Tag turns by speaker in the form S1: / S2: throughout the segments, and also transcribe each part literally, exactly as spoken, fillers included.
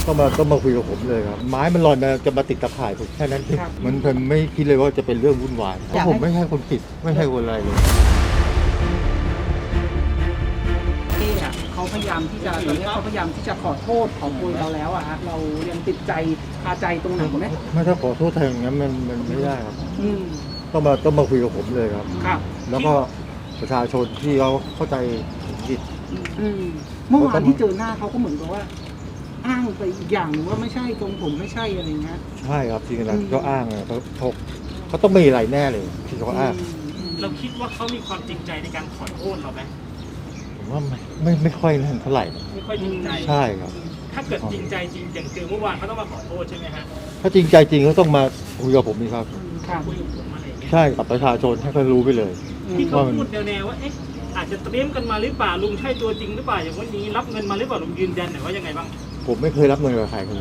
S1: ต้องมาต้องมาคุยกับผมเลยครับไม้มันลอยมาจะมาติดตะข่ายผมแค่นั้นเองมันผมไม่คิดเลยว่าจะเป็นเรื่องวุ่นวายเพราะผมไม่ใช่คนผิดไม่ใช่คนอะไรเลย
S2: เขาพยายามที่จะตอนนี้เขาพยายามที่จะขอโทษขอโพยเราแล้วอะฮะเรายังติดใจคาใจตรงไหนไหม
S1: ไม่ถ้าขอโทษทางนั้นมันมันไม่ได้ครับ
S2: อืม
S1: ต้องมาต้องมาคุยกับผมเลยครับ
S2: ครับ
S1: แล้วก็ประชาชนที่เขาเข้าใจผิด
S2: อืมเมื่อวานที่เจอหน้าเขาก็เหมือนกับว่าอ้างไปอีกอย่างหนึ่งว่าไม่ใช่ตรงผมไม่ใช่อะไรเงี้ย
S1: ใช่ครับจริงๆแล้วเขาอ้างอะเขาเขาเขาต้องมีอะไรแน่เลยที่เขาอ้าง
S3: เราคิดว่าเขามีความจริงใจในการขอโทษเราไหม
S1: ผมว่าไม่ไม่ไม่ค่อยนั่นเท่าไหร่
S3: ไม่ค่อยจริงใจ
S1: ใช่ครับ
S3: ถ้าเกิดจริงใจจริงอย่างเจอเมื่อวานเขาต้องมาขอโทษใช่ไหมฮะ
S1: ถ้าจริงใจจริงเขาต้องมาคุยกับผมนี่ครับ
S3: คุยกับผมอะไรอย่างเงี้ย
S1: ใช่กับประชาชนให้เขารู้ไปเลย
S3: ที่เขาพูดแนวๆว่าเอ๊ะอาจจะเตรียมกันมาหรือเปล่าลุงใช่ตัวจริงหรือเปล่าอย่างวันนี้รับเงินมาหรือเปล่าลุงยืนยันหน่อยว่ายังไงบ้าง
S1: ผมไม่เคยรับเงินกับใครเลย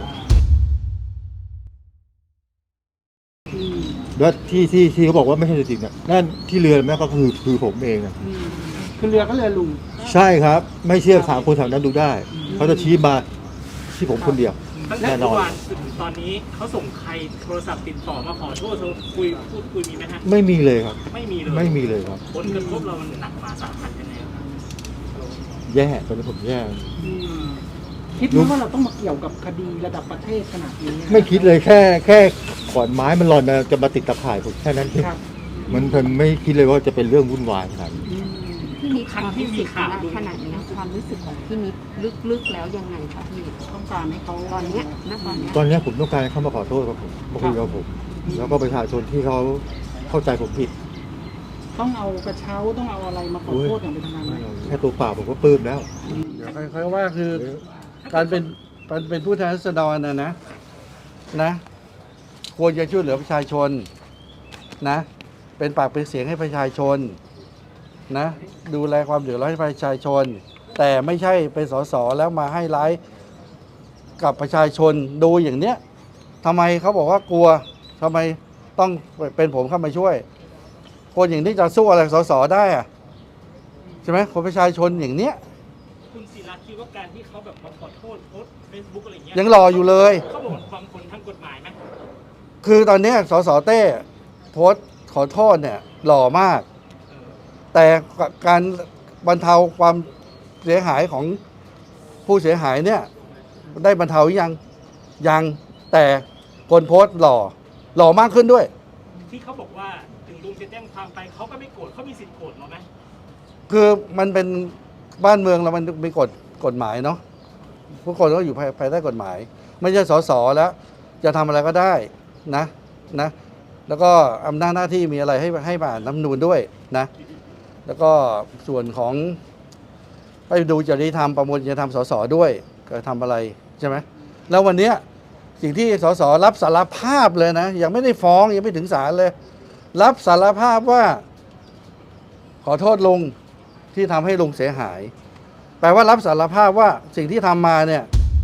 S1: แล้วที่ที่ที่เขาบอกว่าไม่ใช่จริงเนี่ยนั่นที่เรือแม่ก็คือคือผมเองนะ
S2: คือเรือก็เรือลุง
S1: ใช่ครับไม่เชื่อถามคนแถวนั้นดูได้เขาจะชี้มาที่ผมคนเดียว
S3: ตั้งแต่เมื่อวานถึงตอนนี้เขาส่งใครโทรศัพท์ติดต่อมาขอโทษคุยพูดคุยมีไหมฮะ
S1: ไม่มีเลยครับ
S3: ไม่มีเลย
S1: ไม่มีเลยครับ
S3: ผลกระทบเรามันหนักมาสาหัสยังไงครับ
S1: แย่ตอนนี้ผมแย่
S2: คิดว่าเราต้องมาเกี่ยวกับคดีระดับประเทศขนาดนี้
S1: ไม่คิดเลยแค่แค่ขอนไม้มันลอยมาจะมาติดตะข่ายผมแค่นั้นเองมันผมไม่คิดเลยว่าจะเป็นเรื่องวุ่นวายขนาดนี้
S4: พี่นิดความรู้สึกขนาดนี้ความรู้สึกของพี่นิดลึกๆแล้วยังไงคะพี่
S2: ต้องการให้เขา
S4: ตอนนี้ณตอนนี้
S1: ตอนนี้ผมต้องการให้เขามาขอโทษกับผมมาคุยกับผมแล้วก็ประชาชนที่เขาเข้าใจผมผิด
S2: ต้องเอากระเช้าต้องเอาอะไรมาขอโทษอย่างเป็นทางการไหม
S1: แค่ตัวเปล่าผมก็ปลื้มแล้ว
S5: เดี๋ยวค่อยๆว่าคือการเป็นการเป็นผู้แทนราษฎรนะนะนะควรจะช่วยเหลือประชาชนนะเป็นปากเป็นเสียงให้ประชาชนนะดูแลความเดือดร้อนให้ประชาชนแต่ไม่ใช่เป็นสสแล้วมาให้ร้ายกับประชาชนดูอย่างเนี้ยทำไมเขาบอกว่ากลัวทำไมต้องเป็นผมเข้ามาช่วยคนอย่างนี้จะสู้อะไรสสได้อะใช่ไหมคนประชาชนอย่างเนี้ย
S3: คุณศิระคิดว่าการที่เขาแบบมาขอโทษโพสเฟซบุ๊กอะไรเงี้ย
S5: ยังรออยู่เลย
S3: เขาบอกความคนทางกฎหมายไหม
S5: คือตอนนี้สสเต้โพสขอโทษเนี่ยหล่อมากแต่การบรรเทาความเสียหายของผู้เสียหายเนี่ยได้บรรเทายังยังแต่คนโพสหล่อหล่อมากขึ้นด้วย
S3: ที่เขาบอกว่าถึงลุงจะแจ้งความไปเขาก็ไม่โกรธเขามีสิทธิ์โกรธหรอไหม
S5: คือมันเป็นบ้านเมืองเรามันมีกฎกฎหมายเนาะทุกคนก็อยู่ภายใต้กฎหมายไม่ใช่สสแล้วจะทำอะไรก็ได้นะนะแล้วก็อำนาจหน้าที่มีอะไรให้ให้ผ่านรัฐธรรมนูญด้วยนะแล้วก็ส่วนของไปดูจริยธรรมประมวลจริยธรรมสสด้วยก็ทำอะไรใช่ไหมแล้ววันนี้สิ่งที่สสรับสารภาพเลยนะยังไม่ได้ฟ้องยังไม่ถึงศาลเลยรับสารภาพว่าขอโทษลุงที่ทำให้ลุงเสียหายแปลว่ารับสารภาพว่าสิ่งที่ทำมาเนี่ย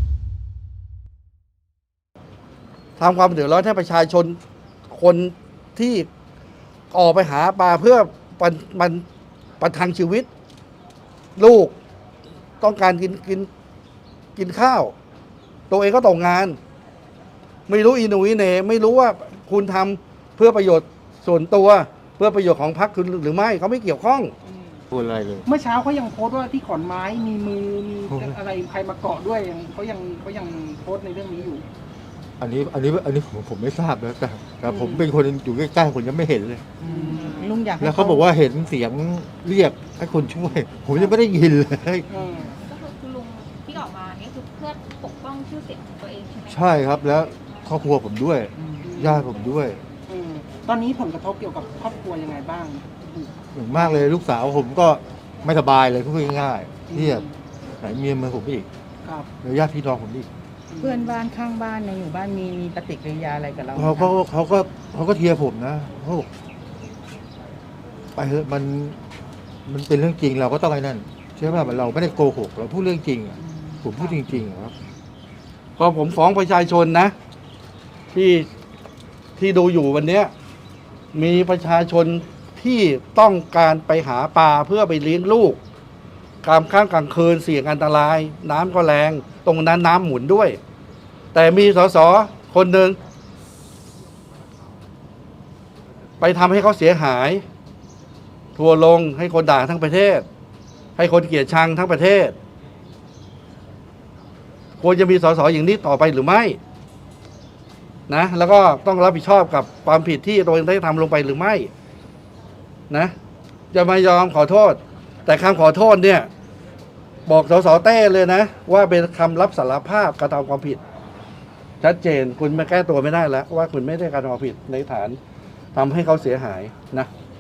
S5: ทำความเดือดร้อนให้ประชาชนคนที่ออกไปหาปลาเพื่อมันมันประทังชีวิตลูกต้องการกินกินกินข้าวตัวเองก็ตกงานไม่รู้อีหนูอีเหน่ไม่รู้ว่าคุณทำเพื่อประโยชน์ส่วนตัวเพื่อประโยชน์ของพรรคคุณหรือไม่เขาไม่เกี่ยวข้อง
S1: พูดอะไรเลย
S2: เมื่อเช้าเขายังโพสต์ว่าที่ขอนไม้มีมือมีอะไรใครมาเกาะด้วยยังเขายังเขายังโพสต์ในเรื่องนี้อยู่
S1: อันนี้อันนี้อันนี้ผมผมไม่ทราบนะแต่แต่ผมเป็นคนอยู่ใกล้ๆผมยังไม่เห็นเลย
S2: ลุงอยาก
S1: แล้วเขาบอกว่าเห็นเสียงเรียกให้คนช่วยผมยังไม่ได้ยินเลย
S4: ก็คือคุณลุงที่ออกมาเนี่ยคือเพื่อปกป้องชื่อเสียงของตัวเองใช่ไหม
S1: ใช่ครับแล้วครอบครัวผมด้วยญาติผมด้วย
S2: ตอนนี้ผลกระทบเกี่ยวกับครอบครัวยังไงบ้าง
S1: อย่างมากเลยลูกสาวผมก็ไม่สบายเลยพูดง่ายๆที่ไหนเมียมาผมอีกแล้วญาติพี่น้องผมอีก
S6: เพื่อนบ้านข้างบ้านในหมู่บ้านมีมีปฏิกิริยาอะไรกับเรา
S1: เขาก็เขาก็เขาก็เทียร์ผมนะเขาไปเถอะมันมันเป็นเรื่องจริงเราก็ต้องไอ้นั่นใช่ไหมเราไม่ได้โกหกเราพูดเรื่องจริงผมพูดจริงๆครับ
S5: พอผมฟ้องประชาชนนะที่ที่ดูอยู่วันนี้มีประชาชนที่ต้องการไปหาปลาเพื่อไปเลี้ยงลูกกลางค่ำกลางคืนเสี่ยงอันตรายน้ำก็แรงตรงนั้นน้ำหมุนด้วยแต่มีสสคนหนึ่งไปทำให้เขาเสียหายทัวร์ลงให้คนด่าทั้งประเทศ ให้คนเกลียดชังทั้งประเทศควรจะมีสสอย่างนี้ต่อไปหรือไม่นะแล้วก็ต้องรับผิดชอบกับความผิดที่ตัวเองได้ทำลงไปหรือไม่นะจะไม่ยอมขอโทษ แต่คำขอโทษเนี่ยบอกสสเต้เลยนะว่าเป็นคำรับสารภาพกระทำความผิดชัดเจนคุณมาแก้ตัวไม่ได้แล้วว่าคุณไม่ได้กระทำความผิดในฐานทำให้เขาเสียหายนะ